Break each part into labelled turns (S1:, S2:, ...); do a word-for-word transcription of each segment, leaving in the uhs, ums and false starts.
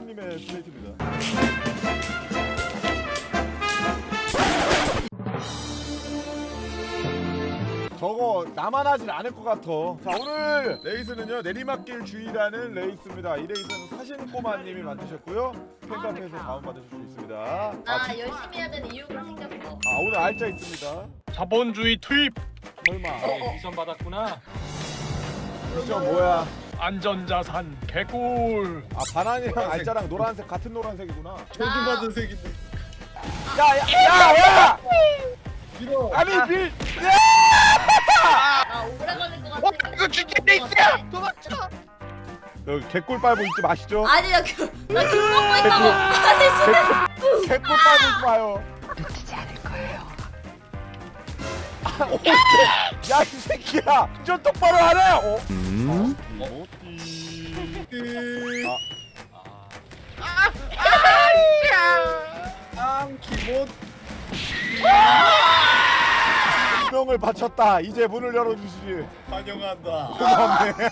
S1: 형님의 스트레이트입니다. 저거 나만 하진 않을 것 같아. 자, 오늘 레이스는요 내리막길 주의라는 레이스입니다. 이 레이스는 사신꼬마님이 만드셨고요. 팬카페에서 다운받으실 수 있습니다. 아,
S2: 나
S1: 진-
S2: 열심히 해야 되는 이유가 생겼어.
S1: 아 오늘 알짜 있습니다.
S3: 자본주의 투입.
S1: 설마
S4: 어, 미션 받았구나.
S1: 미션 뭐야?
S3: 안전자산 개꿀.
S1: 아 바나니랑 알짜랑 노란색 같은 노란색이구나.
S5: 저주받은 색인데.
S1: 야야야야!
S5: 밀어.
S1: 아니 빌.
S2: 나 오래 걸릴 것 같아.
S3: 어, 이거 진짜 레이스야!
S2: 도망쳐.
S1: 여기 개꿀 빨고 있지 마시죠.
S2: 아니 나 그, 나귤 먹고 있다고. 아니 진짜.
S1: 개꿀 빨고 있지 마요.
S2: 놓치지 않을 거예요.
S1: 아, 오케이. 야, 이 새끼야! 좀 똑바로 하래! 어? 음? 어디?
S4: 아,
S5: 앙 기본.
S1: 운명을 바쳤다. 이제 문을 열어주시지.
S5: 환영한다.
S1: 고맙네.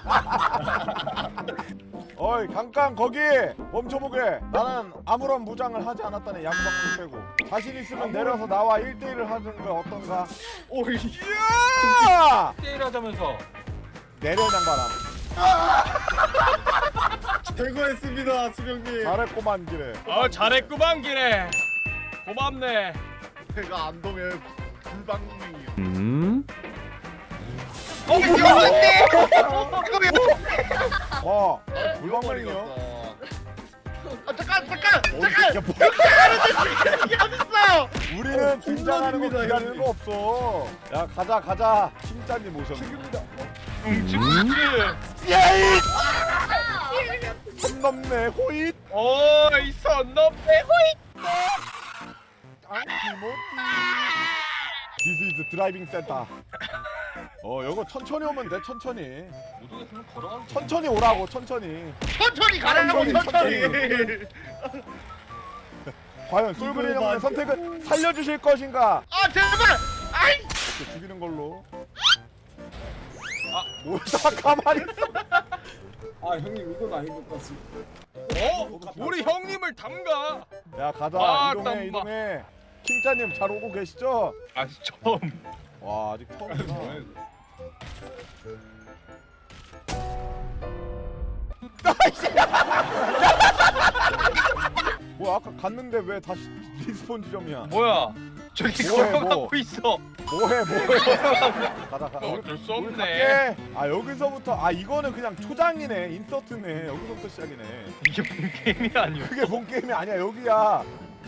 S1: 어이, 잠깐 거기 멈춰보게. 나는 아무런 무장을 하지 않았다는 양방울 빼고. 자신 있으면 내려서 나와 일 대 일을 하는 거 어떤가?
S5: 오이.
S1: 야!
S4: 게임 하자면서.
S1: 내려 양반아.
S5: 제거했습니다, 수령님.
S1: 잘했고만 기래.
S3: 어 잘했구만 기래. 고맙네.
S1: 제가 안동의 불방맹이요. 어, 불방맹이요?
S3: 아 잠깐 잠깐.
S1: 잠깐! 우리는 긴장하는 거
S5: 홈런입니다,
S1: 기다리는
S5: 형님.
S1: 거 없어. 야 가자 가자. 킹짜님 모셨습니다.
S3: 응집지.
S1: 예이! 선 넘네 호잇.
S3: 어이 선 넘네 호잇.
S1: 안티모티. This is 드라이빙 센터. 어 이거 천천히 오면 돼 천천히.
S4: 못 오겠으면 걸어가면 돼.
S1: 천천히 오라고 천천히.
S3: 천천히 가라고 천천히.
S1: 과연 솔그린 형의 선택은 살려주실 것인가?
S3: 아 제발. 아이.
S1: 이렇게 죽이는 걸로. 아 뭐야 가만히 있어.
S5: 아 형님 이건 아닌 것 같습니다.
S3: 어? 우리 형님을 담가.
S1: 야 가자
S3: 아,
S1: 이동해
S3: 땀나.
S1: 이동해. 킹짜님 잘 오고 계시죠?
S3: 아직 처음.
S1: 와 아직 처음이구나. 뭐야 아까 갔는데 왜 다시 리스폰 지점이야?
S3: 뭐야? 저기
S1: 뭐해,
S3: 걸어가고
S1: 뭐.
S3: 있어.
S1: 뭐해 뭐해. 가자 가자.
S3: 어쩔 수
S1: 우리
S3: 없네.
S1: 갈게. 아 여기서부터 아 이거는 그냥 초장이네 인서트네. 여기서부터 시작이네.
S3: 이게 본 게임이 아니오.
S1: 그게 본 게임이 아니야 여기야.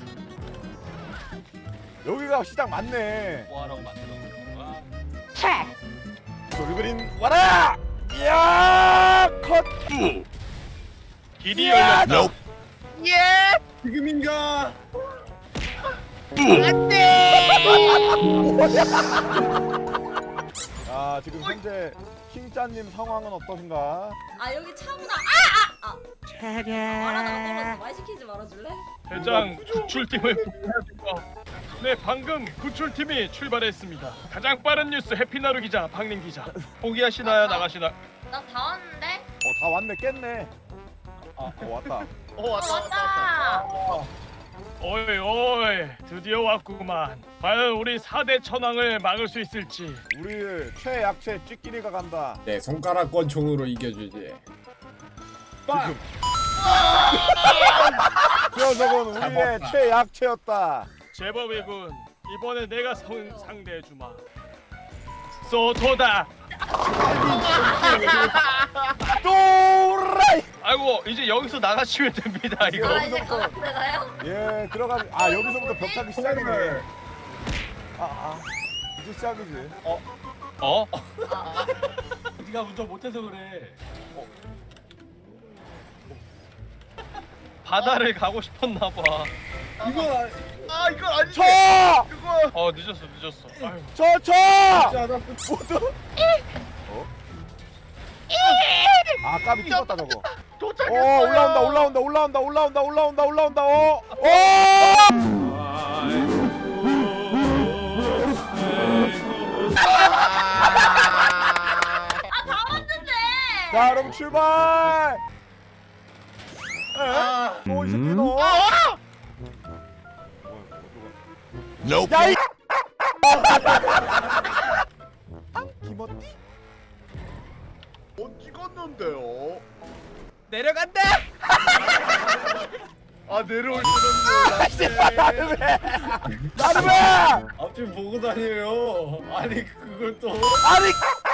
S1: 여기가 시작 맞네.
S4: 뭐하라고 만들어 건가?
S1: 돌그린 와라. 이야 컷.
S3: 길이
S1: 야,
S3: 열렸다.
S5: 지금인가?
S1: 자 지금 현재 킹짜님 상황은 어떠신가?
S2: 아 여기 차구나. 아아 아. 말하다가 떨어졌어. 말 시키지 말아줄래?
S3: 대장 구출팀을 보내주고. 네 방금 구출팀이 출발했습니다. 가장 빠른 뉴스 해피나루 기자 박님 기자. 포기하시나요 나가시나?
S2: 나 다 왔는데.
S1: 어 다 왔네 깼네. 아 어, 왔다.
S3: 어
S2: 왔다.
S3: 어이 어이 드디어 왔구만. 과연 우리 사 대 천왕을 막을 수 있을지.
S1: 우리 최약체 찌끼리가 간다.
S5: 내 손가락 권총으로 이겨주지. 빵!
S1: 그 녀석은 우리의 최약체였다.
S3: 제법이군. 이번에 내가 성, 상대해주마. 소토다.
S1: 또라이.
S3: 아이고 이제 여기서 나가시면 됩니다 이거.
S2: 아 이제 가는데 나요?
S1: 예 들어가. 아 여기서부터 벽타기 시작이네. 아, 아 이제 시작이지.
S3: 어?
S4: 네가 운전 못해서 그래.
S3: 바다를 가고 싶었나 봐.
S5: 이건 아니.
S3: 아 이건 아니지.
S1: 쳐!
S3: 어 늦었어 늦었어. 아유.
S1: 쳐! 쳐!
S5: 자, 나
S1: 모두. 어? 아 까비 찍었다 저거.
S3: 도착했어요.
S1: 어 올라온다 올라온다 올라온다 올라온다 올라온다 올라온다 어. 어!
S2: 아 다 왔는데.
S1: 자 여러분 출발.
S5: 아,
S1: 어, 이 새끼 너.
S6: Nope.
S1: 야, 이 김어띠?
S6: 못 찍었는데요.
S3: 내려간다.
S6: 아 내려올 줄은 몰랐네.
S1: 나를 왜? 나를 왜?
S5: 앞뒤 보고 다녀요. 아니 그걸 또.
S1: 아니,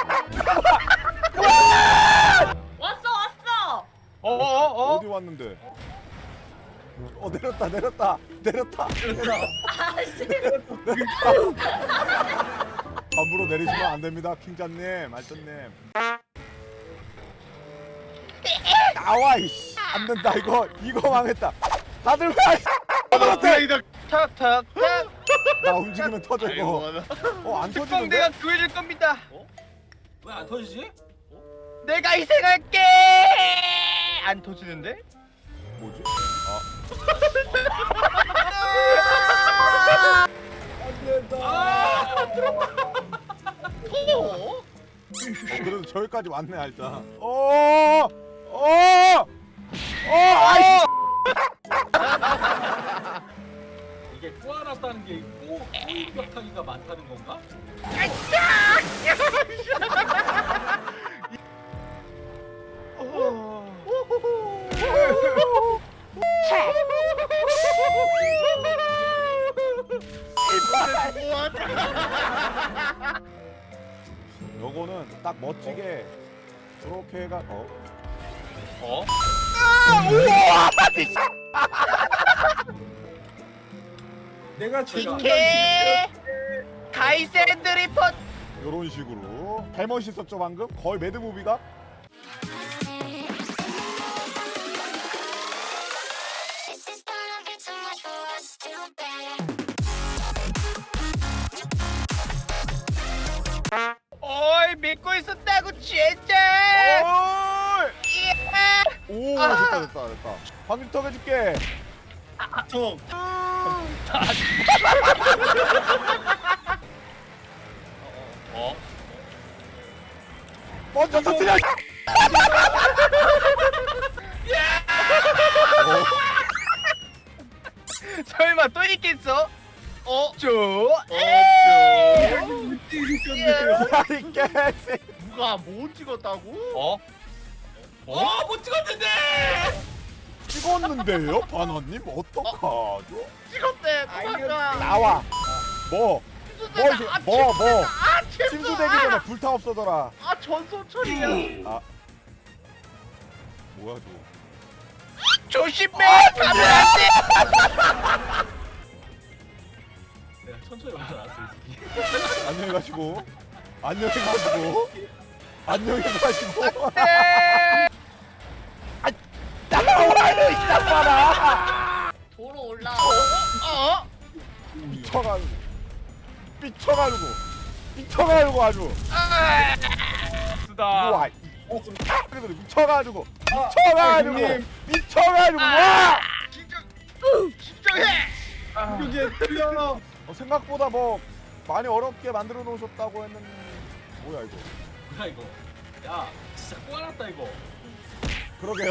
S2: 왔어 왔어.
S3: 어어어.
S1: 어디 왔는데? 어, 내렸다, 내렸다, 내렸다.
S2: 아씨.
S1: 함부로 내리시면 안 됩니다, 킹자님, 알전님. 나와 이씨. 안 된다 이거, 이거 망했다. 다들 왜?
S6: 플레이다.
S3: 탁탁탁.
S1: 나 움직이면 터져 이거. 어, 안
S3: 특공
S1: 터지는데?
S3: 내가 구해줄 겁니다.
S4: 왜 안 터지지?
S3: 내가 희생할게. 안 터지는데?
S1: 뭐지?
S5: 안 된다.
S1: 어, 그래도 저기까지 왔네 알자. 어, 어, 어, 아이씨.
S4: 이게 꼬아놨다는 게 꼬, 꼬이벽하기가 많다는 건가?
S1: 요거는 딱 멋지게 그렇게 해가 어.
S3: 어?
S5: 내가 최고.
S3: 개. 가이센드 리포트.
S1: 요런 식으로 개 멋있었죠 방금? 거의 매드무비가?
S7: This is gonna be too much for us to bear.
S3: 어이 믿고 있었다고 진짜. 예.
S1: 오
S3: 아.
S1: 됐다 됐다 됐다. 방지턱 해줄게.
S5: 턱.
S3: 어?
S1: 먼저 터뜨려.
S3: 설마 또 있겠어? 어? 저?
S1: 야이 개새.
S6: 누가 못 찍었다고?
S3: 어?
S4: 어, 못 찍었는데!
S1: 찍었는데요, 반원님 어떡하죠?
S6: 찍었대. 도망가.
S1: 나와. 뭐? 뭐 이제
S6: 아,
S1: 뭐 뭐?
S6: 아 침수.
S1: 침수되기 전에 불타 없어져라.
S6: 아 전소철이야.
S1: 아. 뭐야 저거?
S3: 조심해! 가면 안 돼!
S4: 내가 천천히 먼저 나왔어, 이 새끼.
S1: 안녕히 가시고. 안녕히 가시고. 안녕히 가시고.
S3: 네!
S1: 나와요 이 짝봐라.
S2: 도로 올라.
S3: 어?
S1: 미쳐가지고. 미쳐가지고. 미쳐가지고 아주.
S3: 아! 쓰다.
S1: 우와. 어, 좀 그래도 미쳐가지고.
S5: 아,
S1: 미쳐가지고.
S5: 형님.
S1: 미쳐가지고. 와.
S6: 진짜. 진정해.
S5: 이게 틀려.
S1: 어, 생각보다 뭐 많이 어렵게 만들어 놓으셨다고 했는데 뭐야 이거?
S4: 뭐야, 이거. 야, 진짜 꼬아놨다, 이거.
S1: 그러게요.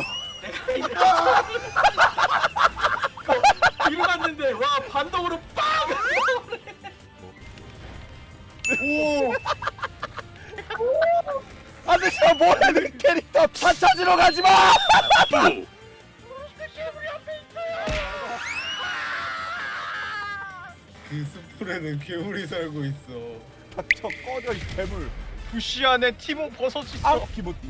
S4: 뒤로 갔는데, 와, 반동으로 빵!
S1: 오. 안돼 저 뭐하는 캐릭터 다 찾으러 가지 마.
S5: 그 숲풀에는 괴물이 살고 있어.
S1: 닥쳐 꺼져 이 괴물.
S3: 부시 안에 티모 버섯 있어.
S1: 아 기모띠.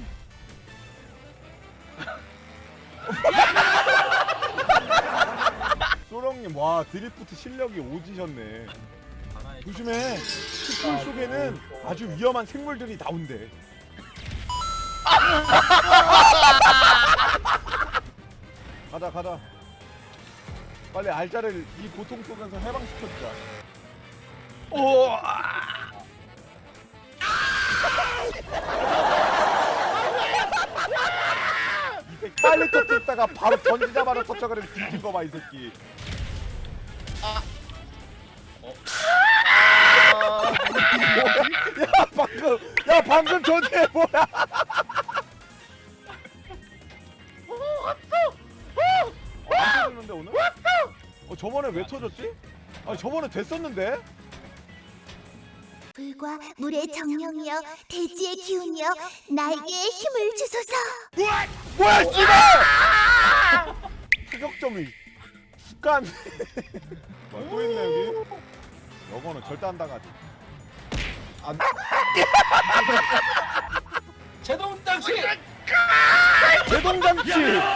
S1: 소령님 와 드리프트 실력이 오지셨네.
S4: 하나의
S1: 조심해. 숲풀 속에는 아주 위험한 생물들이 나온대. 가자 가자. 빨리 알자를 이 고통 속에서 해방시켜주자.
S3: 오.
S1: 이 새끼 빨리 터뜨렸다가 바로 던지자마자 터쳐그리면 뒤진 거 봐 이 새끼. 야 방금 야 방금 전에 뭐야? 저번에 왜 터졌지? 아니 저번에 됐었는데?
S8: 불과 물의 정령이여 대지의 기운이여 나에게 힘을 주소서.
S1: 뭐야 씨발! 타격점이 습관. 뭐야 또 있네 여기. 여거는 절대 안 당하지.
S4: 제동 장치.
S1: 제동장치.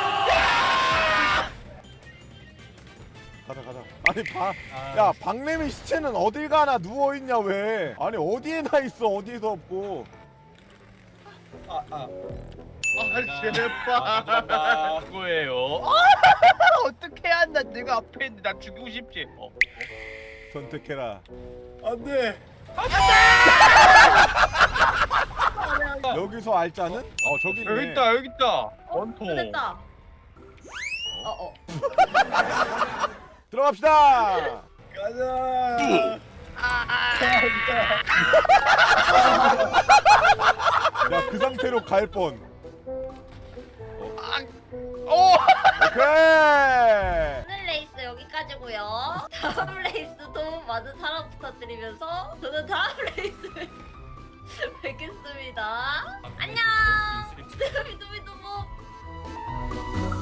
S1: 가자 가자. 아니 방, 야 박래미 시체는 어딜 가나 누워 있냐 왜? 아니 어디에나 있어 어디에도 없고.
S5: 아, 아.
S6: 아 제발.
S3: 그거예요.
S6: 어떻게 한다. 내가 앞에 있는데 나 죽이고 싶지. 어.
S1: 선택해라.
S5: 안 돼.
S1: 여기서 알자는? 어 저기 있네.
S3: 여기 있다 여기 있다.
S2: 어,
S3: 원통.
S2: 됐다. 어, 어.
S1: 들어갑시다.
S5: 가자.
S1: 야 그 상태로 갈 뻔.
S6: 어.
S1: 오케이.
S2: 오늘 레이스 여기까지고요. 다음 레이스도 많은 사랑 부탁드리면서 저는 다음 레이스에 뵙겠습니다. 안녕. 두비두비두부.